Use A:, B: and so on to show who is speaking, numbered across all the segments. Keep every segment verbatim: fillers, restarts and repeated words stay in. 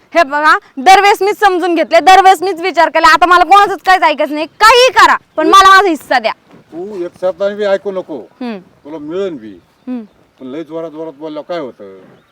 A: हे बघा दरवेळेस मीच समजून घेतले, दरवेळेस मीच विचार केला, आता मला कोणाचंच काहीच ऐकायचं नाही, काही करा पण मला माझा हिस्सा द्या.
B: तू एक शब्दाने बी ऐकू नको,
A: हम्म,
B: तुला मिळेल बी,
A: हम्म.
B: पण लय जोरात जोरात बोलल्यावर काय होतं?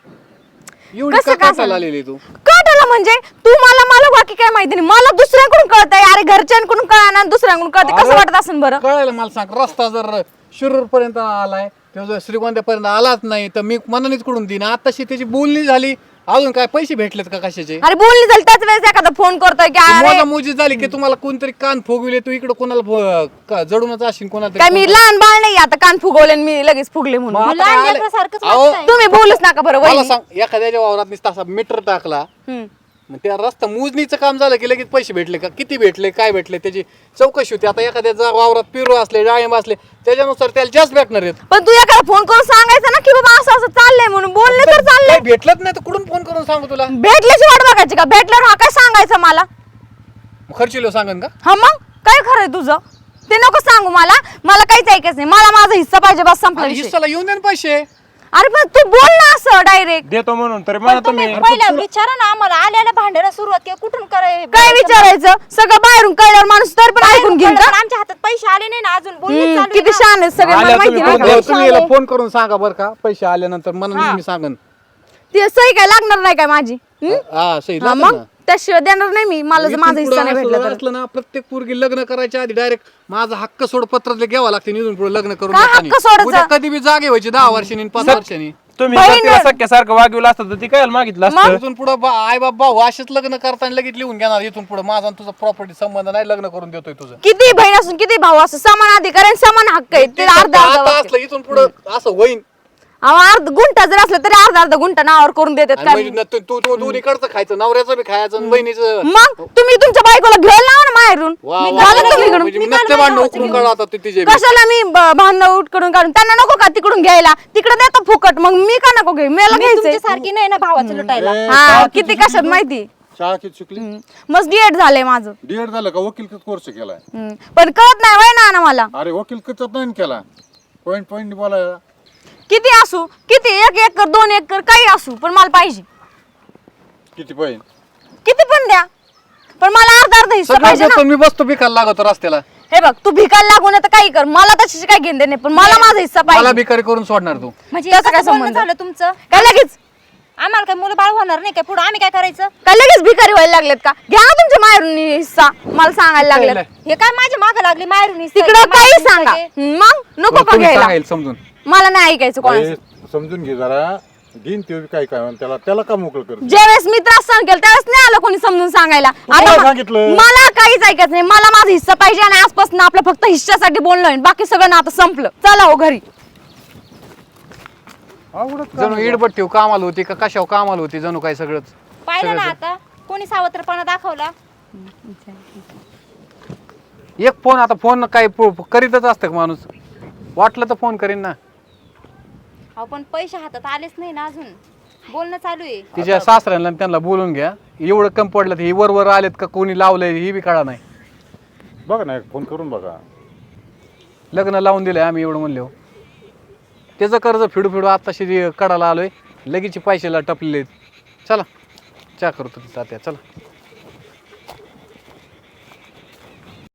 C: एवढी
A: कसं
C: का
A: काय
C: काटायला आलेली तू?
A: कळलं म्हणजे तू मला मला बाकी काय माहिती नाही, मला दुसऱ्यांकडून कळतंय. अरे घरच्यांकडून कळना दुसऱ्यांकडून कळतंय, कसं
C: अरे,
A: वाटत असेल बरं?
C: कळायला मला सांग, रस्ता जर शिरूर पर्यंत आलाय किंवा जर श्रीगोंद्यापर्यंत आलाच नाही तर मी मनानेच कडून देईन. आताशी त्याची बोलणी झाली, अजून काय पैसे भेटलेत का कशाचे?
A: अरे बोलली झाली त्याच वेळेस एखादा फोन करतोय की अरे
C: मोजा मोजी झाली की तुम्हाला कोणतरी कान फुगविले, तू इकडे कोणाला फु- का- जडूनच असेल कोणाला
A: काय मी लहान बाळ नाही आता कान फुगवले आणि मी लगेच फुगले म्हणून.
C: मग आता
D: लहान
C: काय आलंय?
D: लेकरासारखंच
C: अहो,
D: वागताय.
A: तुम्ही बोलूच नका बरं
C: मला
A: वहिनी.
C: सांग, एखाद्याच्या वावरात नुसता असा मीटर टाकला,
A: हम्म.
C: मग त्या रस्ता मोजणीचं काम झालं की लगेच पैसे भेटले का, किती भेटले, काय भेटले, त्याची चौकशी होती. आता एखाद्या वावरात पिरू असले, डाळिंब असले, त्याच्यानुसार त्याला जास्त भेटणार आहेत.
A: पण तू एखादा फोन करून सांगायचं ना की बाबा असं असं चाललंय म्हणून, बोलले तर चाललंय.
C: काय भेटलंच नाही तर कुठून फोन करून सांगू तुला?
A: भेटल्याची वाट बघायची का? भेटल्यावर हा काय सांगायचं मला?
C: खर्चिलो सांगन का?
A: हा मग काय खरंय तुझं ते नको सांगू मला, मला काहीच ऐकायचं नाही, मला माझा हिस्सा पाहिजे बस, संपला
C: आणि
A: विषय.
C: हिस्साला येऊन दे ना पैसे.
A: अरे पण तू बोल ना असं डायरेक्ट.
E: देतो म्हणून तर
D: पण
E: मला
D: तुम्ही
E: तुम्ही
D: पहिलं विचारा ना आम्हाला, आल्याला भांडायला सुरुवात केली, कुठून कराय
A: काय विचारायचं? सगळं बाहेरून कळल्यावर माणूस तर पण ऐकून घेईल का?
D: आमच्या हातात पैसे आले नाही ना अजून, बोलणं
A: हम्म,
D: चालू आहे
A: किती
D: ना.
A: शान आहेत सगळे, मला
E: आल्या
A: माहिती
E: तुम्ही
A: नाही.
C: हो, तुम्ही याला फोन करून सांगा बरं का, पैसे आल्यानंतर मला मी सांगन.
A: ती सही काय लागणार नाही काय माझी? हम्म?
C: हा सही
A: हा,
C: लागेल
A: मग
C: ना.
A: त्याशिवाय देणार नाही मी, मला जर
C: इथून
A: माझा
C: पुढं
A: हिस्सा नाही
C: असं
A: भेटला तर.
C: असलं ना, प्रत्येक पोरगी लग्न करायच्या आधी डायरेक्ट माझा हक्क सोड पत्र घ्यावं लागते, निघून पुढे लग्न करून
A: काय
C: देतानी.
A: हक्क सोडायचा?
C: उद्या कधी बी जागे व्हायची दहा वर्षांनी आणि पाच वर्षांनी.
E: तुम्ही
A: बहीण-
E: जर तिला सख्यासारखं वागवलं असतं तर ती काय मागितलं असतं?
C: इथून पुढे आई बाप भाऊ असेच लग्न करताना लगेच लिहून घेणार, इथून पुढे माझा आणि तुझा प्रॉपर्टी संबंध नाही, लग्न करून देतोय तुझं.
A: किती बहीण असून किती भाऊ असं समान अधिकार आणि समान हक्क आहे, ते अर्धा अर्धा
C: आता
A: वाटतं.
C: असलं इथून पुढे असं होईन.
A: अहो, अर्ध गुंठा जर असलं तरी अर्धा अर्धा गुंठा नावावर करून देतात
C: आणि
A: काय?
C: म्हणजे न- तू तू- तू दोन्हीकडचं खायचं, नवऱ्याचं बी खायचं आणि बहिणीचं.
A: मग तुम्ही तुमच्या बायकोला घ्यायला लावा ना माहेरून.
C: वा,
A: मी
C: वा,
A: घालून
C: वा,
A: तुम्ही इकडून.
C: म्हणजे मी नसते भांडणं उकरून काढा आता तू तिचे बी.
A: कशाला मी ब- भांडणं उठकडून काढून त्यांना नको का तिकडून घ्यायला? तिकडे देतो फुकट, मग मी का नको घेऊ? मला घ्यायचंय.
D: तुमच्या सारखी नाही ना भावाचं लुटायला.
B: ए,
A: हा
B: शाळा
A: किती
B: शिकली
A: कशात
B: तू?
A: माहिती.
B: शाळा किती शिकली?
A: मस्त डीएड झालंय माझं.
B: डीएड झालं का? वकील कोर्स केलाय?
A: हम्म. पण कळत नाही वय ना मला.
B: अरे वकील कचत नाही केला, पॉइंट पॉइंट बोलायला.
A: किती असू, किती एक एकर दोन एकर काही असू, पण मला पाहिजे.
B: किती पॉइंट?
A: किती पण द्या, पण मला अर्धा अर्धा हिस्सा
C: सगळं
A: पाहिजे
C: देतो
A: ना.
C: मी, बसतो बिकायला लागतो रस्त्याला.
A: हे बघ तू भिकायला लागू नये तर काही कर, मला त्याच्याशी काही घेणं देणं नाही, पण मला माझा हिस्सा
C: मला
A: पाहिजे.
C: बिकारी करून सोडणार तू.
D: म्हणजे
A: त्याचं काय
D: कसं बोलणं
A: संबंध?
D: झालं तुमचं?
A: काय लगेच
D: आम्हाला काय मुलं बाळ होणार नाही काय पुढे? आम्ही काय करायचं?
A: काय लगेच भिकारी व्हायला लागलेत का? घ्या ना तुमच्या माहेरून हिस्सा, मला सांगायला लागलेत.
D: हे काय माझ्या मागे लागली मारून
A: तिकडं काही सांगा मग नको का
C: तुम्ही
A: घ्यायला?
C: सांगाल समजून.
A: मला नाही ऐकायचं कोणाचं.
B: अरे, समजून घे जरा, घेईन ते बी काय काय म्हणून त्याला त्याला का मोकळ कर.
A: ज्यावेळेस मी त्रास सहन केला त्यावेळेस नाही आलं कोणी समजून सांगायला.
B: कोणाला
A: आता
B: सांगितलं?
A: म- मला काहीच ऐकायचं नाही, मला माझा हिस्सा पाहिजे आणि आजपासून आपलं फक्त हिस्सासाठी बोलणं होईल, बाकी सगळं ना आता संपलं. चला हो घरी.
C: जणू इडबट्टी कामाला होती का कशावर कामाला होती, जणू काय सगळंच.
D: पाहिलं ना आता कोणी सावत्रपणा दाखवला.
C: एक फोन, आता फोन काय प- करीतच असतं का माणूस? वाटलं तर फोन करीन ना.
D: आपण पैसे हातात आलेच नाही ना अजून, बोलणं चालू आहे.
C: तिच्या सासऱ्यांना आणि त्यांना बोलून घ्या. एवढं कम पडलं तर ही वर वर आलेत का कोणी लावलंय ही बी कळा नाही.
B: बघा ना, फोन करून बघा.
C: लग्न लावून दिलंय आम्ही एवढं म्हणलो. त्याचं कर्ज फिडू फिडू आत्ताशी कडाला आलोय, लगेच पैशाला टपलेले. चला चहा करतो तात्या, चला.